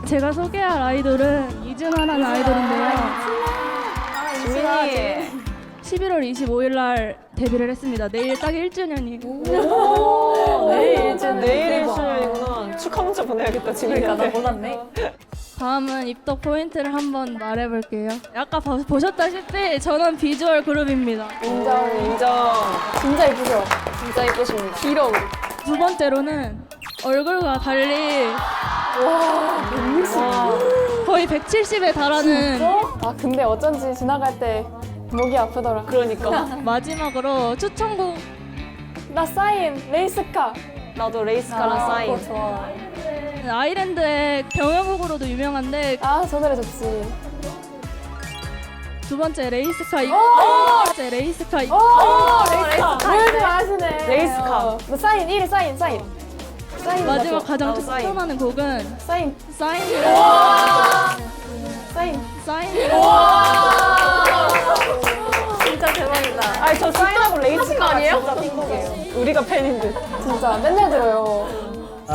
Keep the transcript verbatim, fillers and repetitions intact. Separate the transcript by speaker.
Speaker 1: 제가 소개할 아이돌은 이준하라는 아이돌인데요.
Speaker 2: 지민이.
Speaker 1: 십일월 이십오일 날 데뷔를 했습니다. 내일 딱 일 주년이.
Speaker 2: 내일 일 주년. 내일 일 주년이구나. 축하 문자 보내야겠다, 지민이한테.
Speaker 3: 나 몰랐네.
Speaker 1: 다음은 입덕 포인트를 한번 말해볼게요. 아까 봐- 보셨다시피 저는 비주얼 그룹입니다.
Speaker 2: 인정, 인정.
Speaker 3: 진짜 예쁘죠?
Speaker 2: 진짜 예쁘십니다. 길어.
Speaker 1: 두 번째로는 얼굴과 달리
Speaker 2: 와.
Speaker 1: 거의 백칠십에 달하는
Speaker 3: 아 근데 어쩐지 지나갈 때 목이 아프더라.
Speaker 2: 그러니까.
Speaker 1: 마지막으로 추천곡
Speaker 3: 나 사인 레이스카.
Speaker 2: 나도 레이스카랑 사인.
Speaker 3: 그거 좋아.
Speaker 1: 아일랜드의 경연곡으로도 유명한데
Speaker 3: 아저 노래 좋지.
Speaker 1: 두 번째 레이스카 이-
Speaker 3: 오!
Speaker 1: 두 번째 레이스카 이-
Speaker 3: 오 레이스카. 뭘 아시네.
Speaker 2: 레이스카.
Speaker 3: 어. 나 사인 일 위 사인 사인. 사인
Speaker 1: 마지막
Speaker 3: 맞죠?
Speaker 1: 가장
Speaker 2: 나도 사인.
Speaker 1: 추천하는 곡은
Speaker 3: 사인
Speaker 1: 사인
Speaker 3: 사인.
Speaker 1: 사인
Speaker 2: 진짜 대박이다. 아니, 저 사인하고 레이스카 아니에요? 진짜 띵곡이에요. 우리가 팬인 듯.
Speaker 3: 진짜 맨날 들어요.